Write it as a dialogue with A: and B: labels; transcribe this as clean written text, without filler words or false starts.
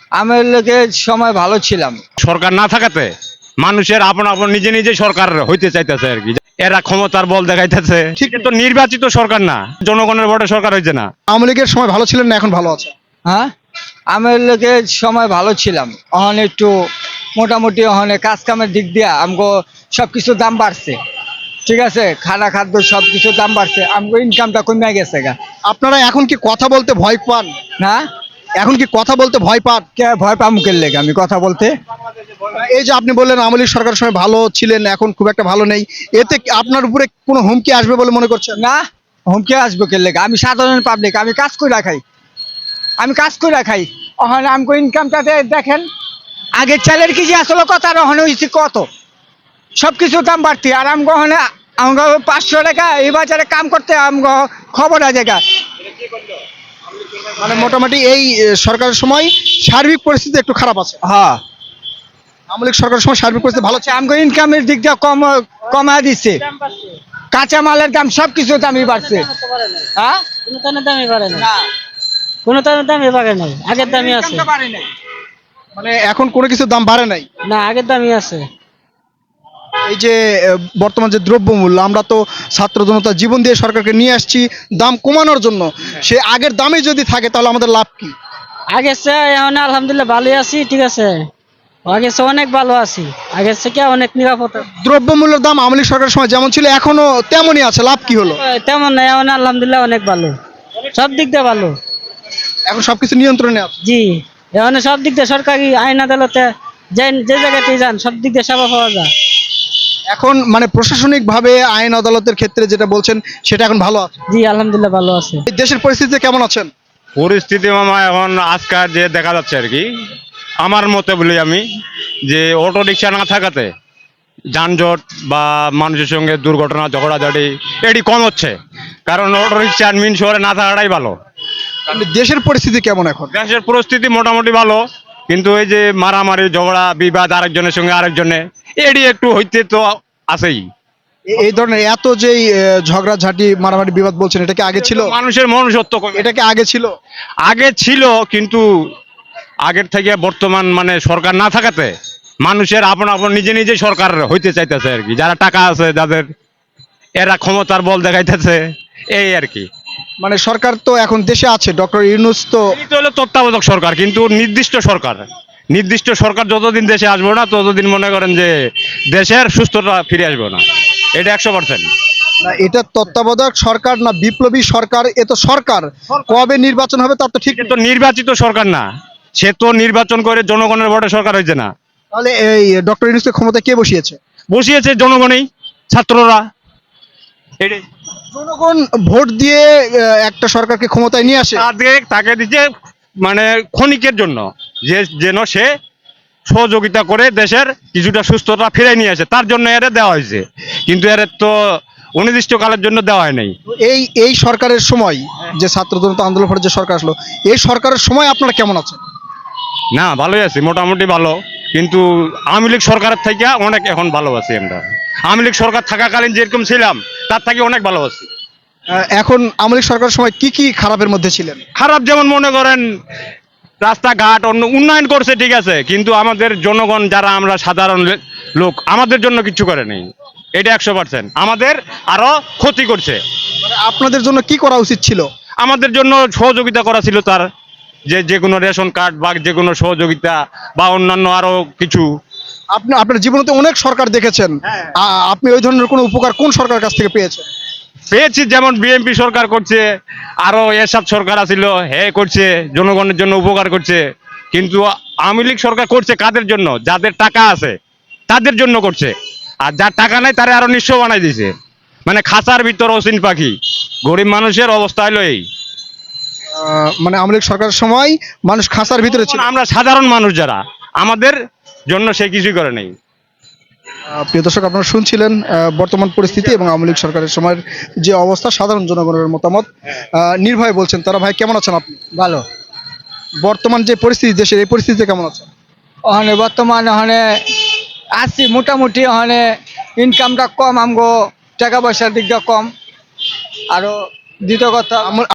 A: আমার লোকে সময় ভালো ছিলাম।
B: সরকার না থাকাতে মানুষের আপন আপন নিজে নিজে সরকার হইতে চাইতেছে আর কি। এরা ক্ষমতার বল দেখাইতেছে। ঠিক তো নির্বাচিত সরকার না, জনগণের ভোটে সরকার হয়েছে না।
C: আওয়ামী লীগের সময় ভালো ছিলেন না এখন ভালো আছে?
A: হ্যাঁ, আমার লোকে সময় ভালো ছিলাম। এখন একটু মোটামুটি এখন কাজ কামের দিক দিয়ে আমগো সবকিছু দাম বাড়ছে। ঠিক আছে, খানা খাদ্য সবকিছু দাম বাড়ছে, আমগো ইনকামটা কমে গেছে গা।
C: আপনারা এখন কি কথা বলতে ভয় পান?
A: না,
C: এখন কি কথা বলতে ভয় পান?
A: কে ভয় পাম মুখের লেগে আমি কথা বলতে?
C: এই যে আপনি বললেন আওয়ামী লীগ সরকারের সময় ভালো ছিলেন, এখন খুব একটা ভালো নেই, এতে কি আপনার উপরে কোনো হুমকি আসবে বলে মনে করছেন?
A: না, হুমকি আসবে কে লেগে? আমি সাধারণ পাবলিক, আমি কাজ করে খাই, আমি কাজ করে খাই। ওখানে আমগো ইনকামটা দেখেন, আগের চালের কেজি আসলে কত আর ওখানে হয়েছে কত, সবকিছুর দাম বাড়তি। আর আমগো ওখানে আমগো 500 টাকা এই বাজারে কাম করতে আমগো খবর আছে গা।
C: মানে মোটামুটি এই সরকারের সময় সার্বিক পরিস্থিতি একটু খারাপ আছে।
A: হ্যাঁ,
C: আওয়ামী লীগ সরকারের সময় সার্বিক পরিস্থিতি ভালো ছিল।
A: আমগো ইনকামের দিক দিয়ে কমা দিচ্ছে, কাঁচা মালের দাম সবকিছু দামই বাড়ছে। হ্যাঁ,
D: কোনো তানের দামই বাড়ে নাই, কোনো তানের দামই বাড়ে নাই, আগের দামই আছে।
A: ইনকামটা বাড়ে নাই।
C: মানে এখন কোনো কিছুর দাম বাড়ে নাই।
D: না, আগের দামই আছে।
C: এই যে বর্তমান যে দ্রব্যমূল্য, আমরা তো ছাত্র জনতা জীবন দিয়ে সরকারকে নিয়ে আসছি দাম কমানোর জন্য, সে আগের দামে যদি থাকে তাহলে আমাদের লাভ কি?
D: আগের চেয়ে এখন আলহামদুলিল্লাহ ভালোই আছি, ঠিক আছে। আগের চেয়ে অনেক ভালো আছি, আগের থেকে অনেক নিরাপদ।
C: দ্রব্যমূল্যের দাম আওয়ামী লীগ সরকারের সময় যেমন ছিল এখনো তেমনই আছে, লাভ কি হলো?
D: তেমন নাই, এখন আলহামদুলিল্লাহ অনেক ভালো, সব দিক দিয়ে ভালো।
C: এখন সবকিছু নিয়ন্ত্রণে আছে।
D: জি, এখন সব দিক দিয়ে সরকারি আইন আদালতে যে জায়গাতেই যান সব দিক দিয়ে সেবা পাওয়া যায়।
C: এখন মানে প্রশাসনিক ভাবে আইন আদালতের ক্ষেত্রে যেটা বলছেন সেটা এখন ভালো আছে।
D: জি, আলহামদুলিল্লাহ ভালো আছে।
C: এই দেশের পরিস্থিতিতে কেমন আছেন?
B: পরিস্থিতি মামা এখন আজকাল যে দেখা যাচ্ছে আর কি, আমার মতে বলি আমি, যে অটো রিক্সা না থাকাতে যানজট বা মানুষের সঙ্গে দুর্ঘটনা ঝগড়াঝাটি এটি কম হচ্ছে। কারণ অটো রিক্সা মিন শহরে না থাকাটাই ভালো।
C: মানে দেশের পরিস্থিতি কেমন এখন?
B: দেশের পরিস্থিতি মোটামুটি ভালো, কিন্তু এই যে মারামারি ঝগড়া বিবাদ আরেকজনের সঙ্গে আরেকজনে এটি একটু হইতে তো আছেই।
C: এই ধরনের এত যে ঝগড়াঝাটি মারামারি বিবাদ বলছেন, এটা কি আগে ছিল?
B: মানুষের মনুষ্যত্ব কমে।
C: এটা কি আগে ছিল?
B: আগে ছিল, কিন্তু আগের থেকে বর্তমান মানে সরকার না থাকাতে মানুষের আপন আপন নিজে নিজে সরকার হইতে চাইতেছে আর কি। যারা টাকা আছে যাদের, এরা ক্ষমতার বল দেখাইতেছে, এই আর কি।
C: মানে সরকার তো এখন দেশে আছে, ডক্টর ইউনূস তো।
B: এটা হলো তত্ত্বাবধায়ক সরকার, কিন্তু নির্দিষ্ট সরকার। নির্দিষ্ট সরকার যতদিন দেশে আসবে না ততদিন মনে করেন যে দেশের সুস্থতা ফিরে আসবে না। এটা 100%।
C: না, এটা তত্ত্বাবধায়ক সরকার না বিপ্লবী সরকার, এ তো সরকার। কবে নির্বাচন হবে তার তো ঠিক
B: এটা
C: নেই।
B: তো নির্বাচিত সরকার না, সে তো নির্বাচন করে জনগণের ভোটে সরকার হয়েছে না।
C: তাহলে এই ডক্টর ইউনূসকে ক্ষমতায় কে বসিয়েছে?
B: বসিয়েছে জনগণই, ছাত্ররা। এটাই
C: জনগণ ভোট দিয়ে একটা সরকারকে ক্ষমতায় নিয়ে আসে।
B: তাকে দিচ্ছে মানে ক্ষণিকের জন্য, যে যেন সে সহযোগিতা করে দেশের কিছুটা সুস্থতা ফিরে নিয়ে আসে, তার জন্য এর দেওয়া হয়েছে। কিন্তু এর তো অনির্দিষ্টকালের জন্য দেওয়া হয় নাই।
C: এই সরকারের সময় যে ছাত্র জনতা আন্দোলন পরে যে সরকার আসলো, এই সরকারের সময় আপনারা কেমন আছেন?
B: না, ভালোই আছি, মোটামুটি ভালো। কিন্তু আওয়ামী লীগ সরকারের থেকে অনেক এখন ভালো আছি আমরা। আওয়ামী লীগ সরকার থাকাকালীন যেরকম ছিলাম তার থেকে অনেক ভালো আছি।
C: এখন আওয়ামী লীগ সরকারের সময় কি কি খারাপের মধ্যে ছিলেন?
B: খারাপ যেমন মনে করেন রাস্তাঘাট উন্নয়ন করছে ঠিক আছে, কিন্তু আমাদের জনগণ যারা আমরা সাধারণ লোক আমাদের জন্য কিছু করে নেই। এটা 100%। আমাদের আরো ক্ষতি করছে।
C: মানে আপনাদের জন্য কি করা উচিত ছিল?
B: আমাদের জন্য সহযোগিতা করা ছিল তার, যে কোনো রেশন কার্ড বা যে কোনো সহযোগিতা বা অন্যান্য আরো কিছু।
C: আপনি আপনার জীবনে তো অনেক সরকার দেখেছেন, আপনি ওই ধরনের কোনো উপকার কোন সরকারের কাছ থেকে পেয়েছেন?
B: পেয়েছি, যেমন বিএনপি সরকার করছে, আরো এরশাদ সরকার আছিল, হে করছে, জনগণের জন্য উপকার করছে। কিন্তু আওয়ামী লীগ সরকার করছে কাদের জন্য? যাদের টাকা আছে তাদের জন্য করছে, আর যার টাকা নাই তারা আরো নিঃস্ব বানাই দিছে। মানে খাঁচার ভিতর অসীন পাখি। গরিব মানুষের অবস্থা হলো এই।
C: মানে আওয়ামী লীগ সরকারের সময় মানুষ খাঁচার ভিতরে ছিল।
B: আমরা সাধারণ মানুষ যারা, আমাদের জন্য সে কিছুই করে নেই।
C: প্রিয় দর্শক, আপনারা শুনছিলেন বর্তমান পরিস্থিতি এবং আওয়ামী লীগ সরকারের সময়ের যে অবস্থা, সাধারণ জনগণের মতামত। নির্ভয় বলছেন তারা। ভাই কেমন আছেন আপনি?
A: ভালো।
C: বর্তমান যে পরিস্থিতি দেশের, এই পরিস্থিতিতে কেমন আছেন?
A: ওখানে বর্তমানে ওখানে আছি মোটামুটি, ওখানে ইনকামটা কম, আমগো টাকা পয়সার দিকটা কম। আরো দ্বিতীয় কথা